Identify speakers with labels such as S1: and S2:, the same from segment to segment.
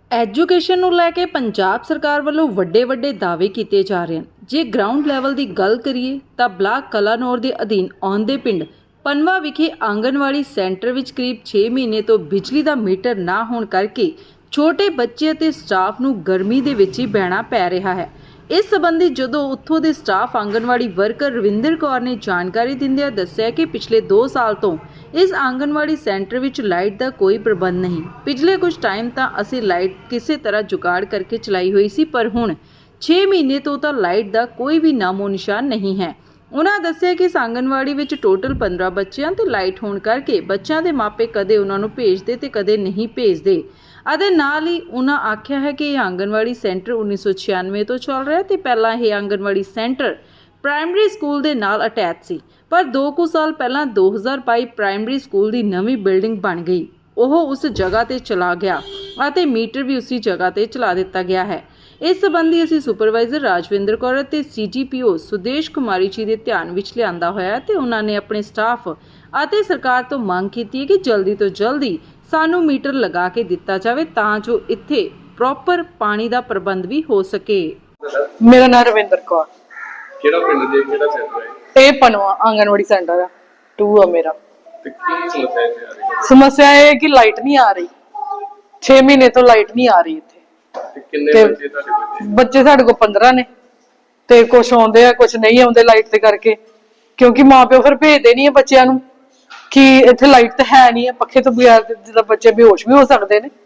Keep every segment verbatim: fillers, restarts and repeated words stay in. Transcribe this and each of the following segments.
S1: Education ਨੂੰ ਲੈ ਕੇ ਪੰਜਾਬ ਸਰਕਾਰ ਵੱਲੋਂ ਵੱਡੇ ਵੱਡੇ ਦਾਅਵੇ ਕੀਤੇ ਜਾ ਰਹੇ ਹਨ। ਜੇ ਗਰਾਊਂਡ ਲੈਵਲ ਦੀ ਗੱਲ ਕਰੀਏ ਤਾਂ ਬਲਾਕ ਕਲਾਨੌਰ ਦੇ ਅਧੀਨ ਆਉਂਦੇ ਪਿੰਡ ਪਨਵਾ ਵਿਖੇ ਆਂਗਨਵਾੜੀ ਸੈਂਟਰ ਵਿੱਚ ਕਰੀਬ ਛੇ ਮਹੀਨੇ ਤੋਂ ਬਿਜਲੀ ਦਾ ਮੀਟਰ ਨਾ ਹੋਣ ਕਰਕੇ ਛੋਟੇ ਬੱਚੇ ਅਤੇ ਸਟਾਫ ਨੂੰ ਗਰਮੀ ਦੇ ਵਿੱਚ ਹੀ ਬਹਿਣਾ ਪੈ ਰਿਹਾ ਹੈ। ਇਸ ਸੰਬੰਧੀ ਜਦੋਂ ਉੱਥੋਂ ਦੇ ਸਟਾਫ ਆਂਗਨਵਾੜੀ ਵਰਕਰ ਰਵਿੰਦਰ ਕੌਰ ਨੇ ਜਾਣਕਾਰੀ ਦਿੰਦਿਆਂ ਦੱਸਿਆ ਕਿ ਪਿਛਲੇ ਦੋ ਸਾਲ ਤੋਂ ਇਸ ਆਂਗਨਵਾੜੀ ਸੈਂਟਰ ਵਿੱਚ ਲਾਈਟ ਦਾ ਕੋਈ ਪ੍ਰਬੰਧ ਨਹੀਂ। ਪਿਛਲੇ ਕੁਝ ਟਾਈਮ ਤਾਂ ਅਸੀਂ ਲਾਈਟ ਕਿਸੇ ਤਰ੍ਹਾਂ ਜੁਗਾੜ ਕਰਕੇ ਚਲਾਈ ਹੋਈ ਸੀ, ਪਰ ਹੁਣ ਛੇ ਮਹੀਨੇ ਤੋਂ ਤਾਂ ਲਾਈਟ ਦਾ ਕੋਈ ਵੀ ਨਾਮੋ ਨਿਸ਼ਾਨ ਨਹੀਂ ਹੈ। ਉਹਨਾਂ ਦੱਸਿਆ ਕਿ ਇਸ ਆਂਗਨਵਾੜੀ ਵਿੱਚ ਟੋਟਲ ਪੰਦਰਾਂ ਬੱਚਿਆਂ ਤੇ ਲਾਈਟ ਹੋਣ ਕਰਕੇ ਬੱਚਿਆਂ ਦੇ ਮਾਪੇ ਕਦੇ ਉਹਨਾਂ ਨੂੰ ਭੇਜਦੇ ਤੇ ਕਦੇ ਨਹੀਂ ਭੇਜਦੇ। ਅਤੇ ਨਾਲ ਹੀ ਉਹਨਾਂ ਆਖਿਆ ਹੈ ਕਿ ਇਹ ਆਂਗਨਵਾੜੀ ਸੈਂਟਰ ਉੱਨੀ ਸੌ ਛਿਆਨਵੇਂ ਤੋਂ ਚੱਲ ਰਿਹਾ ਤੇ ਪਹਿਲਾਂ ਇਹ ਆਂਗਨਵਾੜੀ ਸੈਂਟਰ ਪ੍ਰਾਇਮਰੀ ਸਕੂਲ ਦੇ ਨਾਲ ਅਟੈਚ ਸੀ, ਪਰ ਦੋ ਕੁ ਸਾਲ ਪਹਿਲਾਂ ਦੋ ਹਜ਼ਾਰ ਬਾਈ ਪ੍ਰਾਇਮਰੀ ਸਕੂਲ ਦੀ ਨਵੀਂ ਬਿਲਡਿੰਗ ਬਣ ਗਈ। ਉਹ ਉਸ ਜਗ੍ਹਾ ਤੇ ਚਲਾ ਗਿਆ ਅਤੇ ਮੀਟਰ ਵੀ ਉਸੇ ਜਗ੍ਹਾ ਤੇ ਚਲਾ ਦਿੱਤਾ ਗਿਆ ਹੈ। ਇਸ ਸੰਬੰਧੀ ਅਸੀਂ ਸੁਪਰਵਾਈਜ਼ਰ ਰਾਜਵਿੰਦਰ ਕੌਰ ਅਤੇ ਸੀਜੀਪੀਓ ਸੁਦੇਸ਼ ਕੁਮਾਰੀ ਜੀ ਦੇ ਧਿਆਨ ਵਿੱਚ ਲਿਆਂਦਾ ਹੋਇਆ ਤੇ ਉਹਨਾਂ ਨੇ ਆਪਣੇ ਸਟਾਫ ਅਤੇ ਸਰਕਾਰ ਤੋਂ ਮੰਗ ਕੀਤੀ ਹੈ ਕਿ ਜਲਦੀ ਤੋਂ ਜਲਦੀ ਸਾਨੂੰ ਮੀਟਰ ਲਗਾ ਕੇ ਦਿੱਤਾ ਜਾਵੇ ਤਾਂ ਜੋ ਇੱਥੇ ਪ੍ਰੋਪਰ ਪਾਣੀ ਦਾ ਪ੍ਰਬੰਧ ਵੀ ਹੋ ਸਕੇ।
S2: ਮੇਰਾ ਨਾਮ ਰਵਿੰਦਰ ਕੌਰ।
S3: ਕਿਹੜਾ ਪਿੰਡ ਦੇ ਕਿਹੜਾ ਸੈਂਟਰ ਹੈ?
S2: ਇਹ ਪਨਵਾ ਆਂਗਨਵਾੜੀ ਸੈਂਟਰ ਆ ਟੂ ਆ ਮੇਰਾ।
S3: ਤੇ ਕੀ ਸਮੱਸਿਆ ਇੱਥੇ ਆ ਰਹੀ ਹੈ?
S2: ਸਮੱਸਿਆ ਇਹ ਹੈ ਕਿ ਲਾਈਟ ਨਹੀਂ ਆ ਰਹੀ, ਛੇ ਮਹੀਨੇ ਤੋਂ ਲਾਈਟ ਨਹੀਂ ਆ ਰਹੀ ਇੱਥੇ।
S3: ਤੇ ਕਿੰਨੇ
S2: ਤੇ
S3: ਬੱਚੇ ਤੁਹਾਡੇ ਬੱਚੇ?
S2: ਬੱਚੇ ਸਾਡੇ ਕੋਲ ਪੰਦਰਾਂ ਨੇ ਤੇ ਕੁਝ ਆਉਂਦੇ ਆ ਕੁਝ ਨਹੀਂ ਆਉਂਦੇ ਲਾਈਟ ਦੇ ਕਰਕੇ, ਕਿਉਂਕਿ ਮਾਪਿਓ ਫਿਰ ਭੇਜਦੇ ਨਹੀਂ ਆ ਬੱਚਿਆਂ ਨੂੰ ਕਿ ਇੱਥੇ ਲਾਈਟ ਤਾਂ ਹੈ ਨਹੀਂ ਹੈ, ਪੱਖੇ ਤੋਂ ਬਗੈਰ ਜਿੱਦਾਂ ਬੱਚੇ ਬੇਹੋਸ਼ ਵੀ ਹੋ ਸਕਦੇ ਨੇ।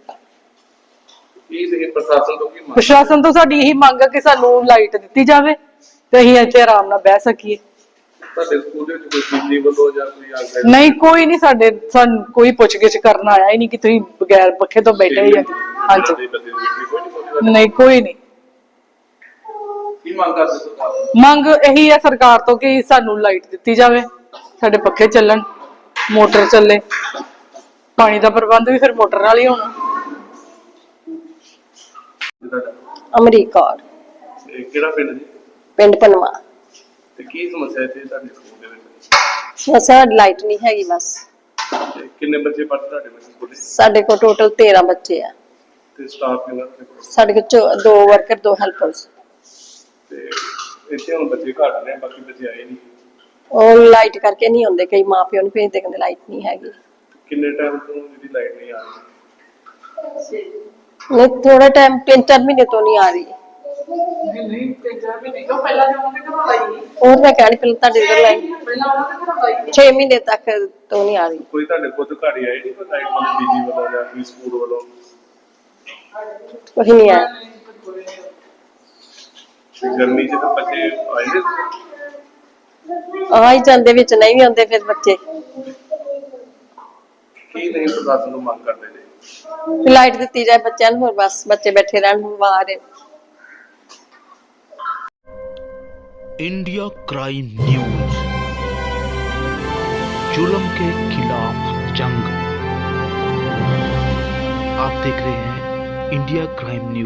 S3: ਕੀ ਤੁਸੀਂ ਪ੍ਰਸ਼ਾਸਨ ਤੋਂ ਕੀ ਮੰਗ?
S2: ਪ੍ਰਸ਼ਾਸਨ ਤੋਂ ਸਾਡੀ ਇਹੀ ਮੰਗ ਹੈ ਕਿ ਸਾਨੂੰ ਲਾਈਟ ਦਿੱਤੀ ਜਾਵੇ ਤੇ ਅਸੀਂ ਇੱਥੇ ਆਰਾਮ ਨਾਲ ਬਹਿ ਸਕੀਏ।
S3: ਤੁਹਾਡੇ ਸਕੂਲ ਦੇ ਵਿੱਚ ਕੋਈ ਬਿਜਲੀ ਵੱਲੋਂ ਜਾਂ ਕੋਈ ਆਗਿਆ?
S2: ਨਹੀਂ, ਕੋਈ ਨਹੀਂ, ਸਾਡੇ ਸਾਨੂੰ ਕੋਈ ਪੁੱਛਗਿੱਛ ਕਰਨ ਆਇਆ ਹੀ ਨਹੀਂ ਕਿ ਤੁਸੀਂ ਬਗੈਰ ਪੱਖੇ ਤੋਂ ਬੈਠੇ ਹੀ ਆ। ਹਾਂਜੀ, ਨਹੀਂ, ਕੋਈ ਨਹੀਂ।
S3: ਕੀ ਮੰਗ ਕਰਦੇ ਸਰਕਾਰ ਤੋਂ?
S2: ਮੰਗ ਇਹੀ ਹੈ ਸਰਕਾਰ ਤੋਂ ਕਿ ਸਾਨੂੰ ਲਾਈਟ ਦਿੱਤੀ ਜਾਵੇ, ਸਾਡੇ ਪੱਖੇ ਚੱਲਣ, ਮੋਟਰ ਚੱਲੇ, ਪਾਣੀ ਦਾ ਪ੍ਰਬੰਧ ਵੀ ਫਿਰ ਮੋਟਰ ਨਾਲ ਹੀ ਹੋਣਾ।
S4: ਅਮਰੀਕ ਕੌਰ,
S3: ਇਹ ਕਿਹੜਾ ਪਿੰਡ ਜੀ?
S4: ਪਿੰਡ ਪਨਵਾ।
S3: ਤੇ ਕੀ ਸਮੱਸਿਆ ਇੱਥੇ ਤੁਹਾਡੇ ਸਕੂਲ ਦੇ ਵਿੱਚ?
S4: ਸਮੱਸਿਆ ਲਾਈਟ ਨਹੀਂ ਹੈਗੀ ਬਸ।
S3: ਤੇ ਕਿੰਨੇ ਬੱਚੇ ਪੜ੍ਹਦੇ ਤੁਹਾਡੇ ਬੱਚੇ ਸਕੂਲ?
S4: ਸਾਡੇ ਕੋਲ ਟੋਟਲ ਤੇਰਾਂ ਬੱਚੇ ਆ।
S3: ਤੇ ਸਟਾਫ ਕਿੰਨਾ ਤੁਹਾਡੇ ਕੋਲ?
S4: ਸਾਡੇ ਕੋਲ ਚੋ- ਦੋ ਵਰਕਰ, ਦੋ ਹੈਲਪਰਸ।
S3: ਤੇ ਇੱਥੇ ਹੁਣ ਬੱਚੇ ਘੱਟ ਨੇ, ਬਾਕੀ ਬੱਚੇ ਆਏ ਨਹੀਂ।
S4: ਉਹ ਲਾਈਟ ਕਰਕੇ ਨਹੀਂ ਆਉਂਦੇ, ਕਈ ਮਾਂ ਪਿਓ ਨੂੰ ਭੇਜਦੇ ਕਹਿੰਦੇ ਲਾਈਟ ਨਹੀਂ ਹੈਗੀ।
S3: ਕਿੰਨੇ ਟਾਈਮ ਤੋਂ ਜਿਹੜੀ ਲਾਈਟ ਨਹੀਂ ਆ ਰਹੀ?
S4: ਨਹੀਂ, ਥੋੜਾ ਟਾਈਮ, ਤਿੰਨ ਚਾਰ ਮਹੀਨੇ ਤੋਂ ਨਹੀਂ ਆ ਰਹੀ।
S2: ਨਹੀਂ ਨਹੀਂ ਤੇ ਜਾ ਵੀ ਨਹੀਂ, ਪਹਿਲਾਂ ਜਦੋਂ ਉਹਨੇ ਘਰੋਂ ਲਾਈ
S4: ਹੋਰ ਮੈਂ ਕਹਿਣੀ ਪਹਿਲਾਂ ਤੁਹਾਡੇ ਇਧਰ ਲਾਈਟ
S2: ਪਹਿਲਾਂ ਉਹਨਾਂ ਦੇ ਘਰੋਂ ਲਾਈ
S4: ਛੇ ਮਹੀਨੇ ਤੱਕ ਤੋਂ ਨਹੀਂ ਆ ਰਹੀ।
S3: ਕੋਈ ਤੁਹਾਡੇ ਕੋਲ ਅਧਿਕਾਰੀ ਆਏ ਨਹੀਂ? ਕੋਈ ਲਾਈਟ ਵਾਲੇ ਬਿਜਲੀ ਵੱਲੋਂ ਜਾਂ ਕੋਈ ਸਕੂਲ ਵੱਲੋਂ?
S4: ਕੋਈ ਨਹੀਂ ਆਇਆ।
S3: ਤੇ ਗਰਮੀ 'ਚ ਤਾਂ ਬੱਚੇ ਆਏ ਨੇ।
S4: ਆ ਹੀ ਜਾਂਦੇ, ਵਿੱਚ ਨਹੀਂ ਵੀ ਆਉਂਦੇ ਫਿਰ ਬੱਚੇ।
S3: ਕੀ ਨਹੀਂ ਪ੍ਰਸ਼ਾਸਨ ਨੂੰ ਮੰਗ ਕਰਦੇ ਨੇ?
S4: ਲਾਈਟ ਦਿੱਤੀ ਜਾਏ ਬੱਚਿਆਂ ਨੂੰ, ਹੋਰ ਬਸ ਬੱਚੇ ਬੈਠੇ ਰਹਿਣ ਬਾਹਰ।
S5: इंडिया क्राइम न्यूज, जुल्म के खिलाफ जंग। आप देख रहे हैं इंडिया क्राइम न्यूज।